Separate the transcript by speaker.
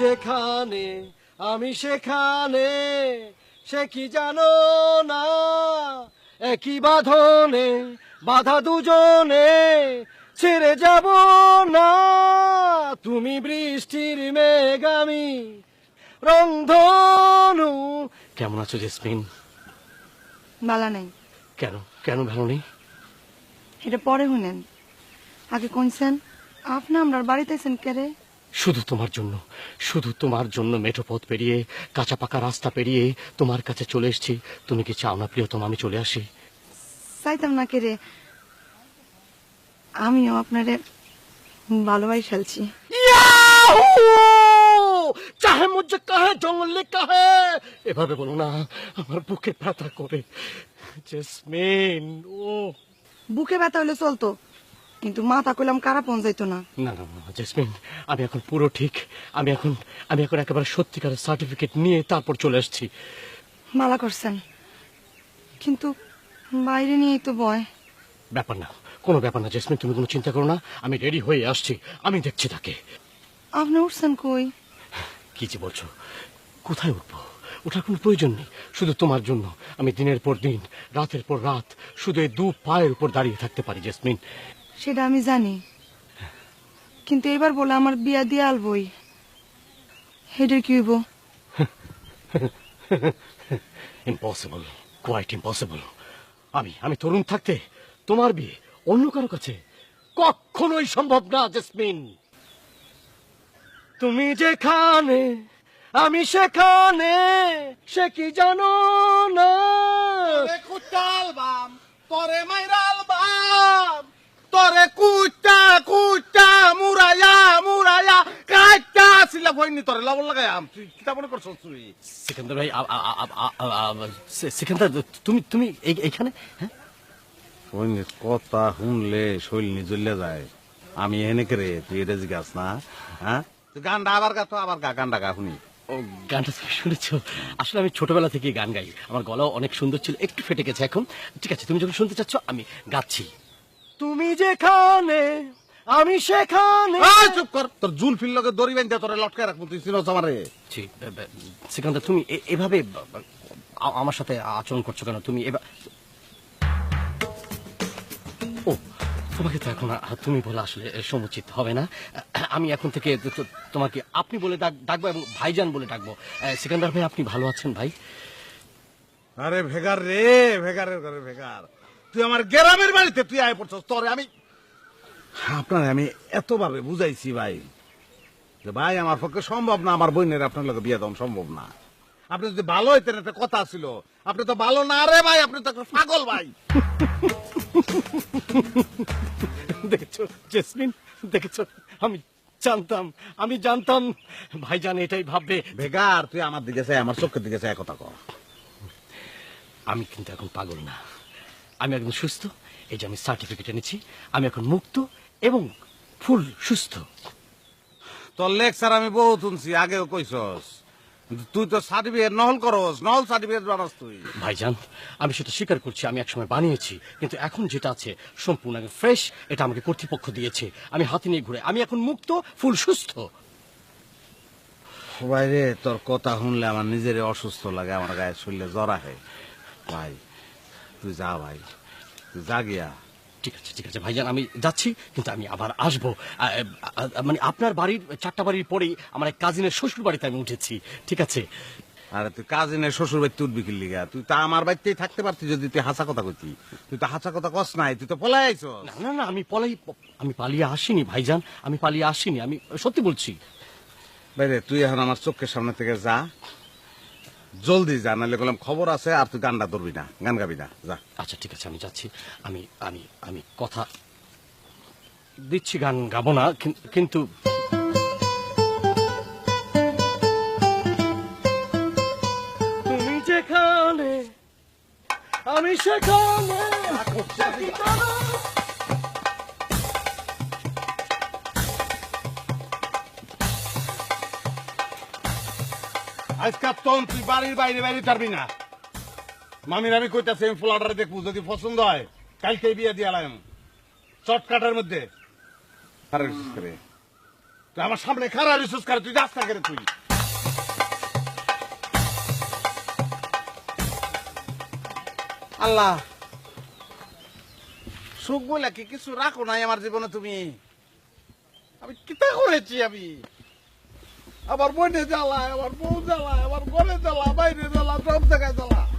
Speaker 1: যেখানে আমি সেখানে, সে কি জানো না, একই বাঁধনে বাধা দুজনে, ছেড়ে যাব না। তুমি বৃষ্টির মেঘ, আমি রংধনু। কেমন আছো জেসমিন?
Speaker 2: বালা নাই।
Speaker 1: কেন কেন ভালো নেই?
Speaker 2: এটা পরে শুনেন, আগে কইছেন আপনি আমরার বাড়িতে আছেন কেরে?
Speaker 1: শুধু তোমার জন্য, শুধু তোমার জন্য মেঠো পথ পেরিয়ে, কাঁচা পাকা রাস্তা পেরিয়ে তোমার কাছে চলে এসেছি। তুমি কি চাও না প্রিয়তম আমি চলে আসি?
Speaker 2: চাইতাম না কেরে, আমিও আপনারে ভালোবাই ফেলছি।
Speaker 1: চাহে মুঝে কাহে জঙ্গলে কাহে, এভাবে বলো না, আমার বুকে ব্যথা করে। জেসমিন ও
Speaker 2: বুকে ব্যথা হলে চলতো, কিন্তু মাথা কইলাম কারা পৌঁছাইতো না।
Speaker 1: না না না জেসমিন, আমি এখন পুরো ঠিক। আমি এখন একেবারে সত্যিকারের সার্টিফিকেট নিয়ে তারপর চলে এসেছি।
Speaker 2: মালা করছেন, কিন্তু বাইরে নিয়েই তো ভয়।
Speaker 1: ব্যাপার না, কোনো ব্যাপার না জেসমিন, তুমি কোনো চিন্তা করো না, আমি রেডি হয়ে আসছি, আমি দেখছি তাকে।
Speaker 2: আপনি উঠছেন কই?
Speaker 1: কি যে বলছো, কোথায় উঠবো? ওঠার কোনো প্রয়োজন নেই। শুধু তোমার জন্য আমি দিনের পর দিন, রাতের পর রাত শুধু এই দু পায়ের উপর দাঁড়িয়ে থাকতে পারি জেসমিন।
Speaker 2: সেটা আমি জানি, কিন্তু এবার বলে আমার বিয়া দিয়ে আলবই, হেডের কি হইব?
Speaker 1: Impossible, quite impossible. আমি তরুণ থাকতে তোমার বিয়ে অন্য কারো কাছে কখনোই সম্ভব না জেসমিন। তুমি যেখানে আমি সেখানে, সে কি জানো না।
Speaker 3: কুটালবাম তোরে মাইরালবাম, তোরে কুটা কুটা মুরায়া মুরায়া কাটা সিলা হইনি, তোরে লবণ লাগায়াম। তুই কিতা মনে করছস? তুই
Speaker 1: সিকান্দার ভাই, সিকান্দার তুমি এইখানে? হ্যাঁ,
Speaker 3: হইনি কথা শুনলে শৈল জ্বলে যায়। আমি এনে করে তুই এটা জিজ্ঞাস না? হ্যাঁ, তুই গানটা আবার গা, তো আবার গা, গানটা গা শুনি।
Speaker 1: ও গানটা তুমি শুনেছো? আসলে আমি ছোটবেলা থেকে গান গাই, আমার গলাও অনেক সুন্দর ছিল, একটু ফেটে গেছে এখন। ঠিক আছে, তুমি যখন শুনতে চাচ্ছ আমি গাচ্ছি। তুমি যেখানে আমি সেখানে।
Speaker 3: এই চুপ কর, তোর জুল ফিল লগে দড়ি বাঁধা তোরে লটকায় রাখবো, তুই চিনস আমারে?
Speaker 1: সিকান্দার তুমি এভাবে আমার সাথে আচরণ করছো কেন? তুমি ও, তোমাকে তো এখন তুমি বলা আসলে সমুচিত হবে না। আমি এখন থেকে তোমাকে আপনি বলে ডাকবো এবং ভাইজান বলে ডাকবো। সিকান্দার ভাই, আপনি ভালো আছেন ভাই?
Speaker 3: আরে ভেগার রে, ভেগারের ঘরে ভেগার, তুই আমার গ্রামের বাড়িতে তুই আয় পড়ছস। তোরে আপনার আমি এতভাবে বুঝাইছি ভাই, যে ভাই আমার পক্ষে সম্ভব না, আমার বোনের আপনার লোক বিয়ে দেওয়া সম্ভব না। আপনি যদি ভালো হইতেন, একটা কথা ছিল। আপনি তো ভালো না রে ভাই, আপনি তো একটা পাগল ভাই।
Speaker 1: দেখেছো জেসমিন, দেখেছো? আমি জানতাম ভাইজান এটাই ভাববে।
Speaker 3: ভেগার, তুই আমার দিকে চাই, আমার চোখের দিকে চাই, কথা কর।
Speaker 1: আমি কিন্তু এখন পাগল না, আমি একদম সুস্থ। এই যে আমি সার্টিফিকেট এনেছি, আমি এখন মুক্ত এবং ফুল সুস্থ।
Speaker 3: তোর লেকচার আমি বহুত শুনছি, আগেও কইছস। তুই তো সার্টিফিকেট নহল করস, নহল সার্টিফিকেট বানাস তুই।
Speaker 1: ভাইজান, আমি সেটা স্বীকার করছি, আমি একসময় বানিয়েছি, কিন্তু এখন যেটা আছে সম্পূর্ণ ফ্রেশ। এটা আমাকে কর্তৃপক্ষ দিয়েছে, আমি হাতে নিয়ে ঘুরে, আমি এখন মুক্ত, ফুল সুস্থ।
Speaker 3: ভাই রে, তোর কথা শুনলে আমার নিজের অসুস্থ লাগে, আমার গায়ে শরীরে জ্বর আহে। ভাই তুই যা, ভাই তুই যা গিয়া।
Speaker 1: ঠিক আছে ভাইজান, আমি যাচ্ছি, কিন্তু আমি আবার আসবো। মানে আপনার বাড়ির 4টা বাড়ির পরেই আমার এক কাজিনের শ্বশুর বাড়িতে আমি উঠেছি। ঠিক আছে?
Speaker 3: আরে তুই কাজিনের শ্বশুর বাড়িতে উঠবি কি লিগা? তুই তো আমার বাড়িতেই থাকতে পারতি যদি তুই হাসা কথা কইতি। তুই তো হাসা কথা কস নাই, তুই তো পলাই আইছস।
Speaker 1: না, আমি পালিয়ে আসিনি ভাইজান, আমি পালিয়ে আসিনি, আমি সত্যি বলছি।
Speaker 3: বাইরে তুই এখন আমার চোখের সামনে থেকে যা, জলদি যা, নাহলে বললাম খবর আছে। আর তুই গানটা ধরবি না, গান গাবি না, যা।
Speaker 1: আচ্ছা ঠিক আছে, আমি যাচ্ছি। আমি আমি আমি কথা দিচ্ছি, গান গাবো না, কিন্তু তুমি যেখানে আমি সেখানে।
Speaker 3: আজকাল তখন তুই বাড়ির বাইরে বাইরে পারবি না। মামির আমি কইতাছি, আমি ফ্লাটারে দেখবো, যদি পছন্দ হয় কালকে বিয়ে দিয়ে আলাম চটকাটার মধ্যে। তুই আমার সামনে খারাপ রিসোর্স করে তুই রাস্তা করে তুই আল্লাহ সুখ বলে কি কিছু রাখো নাই আমার জীবনে তুমি আমি কিতা করেছি আমি আমার বোনে জ্বালায় আমার বউ জ্বালায় আমার ঘরে জ্বালা বাইরে জ্বালা সব জায়গায় জ্বালা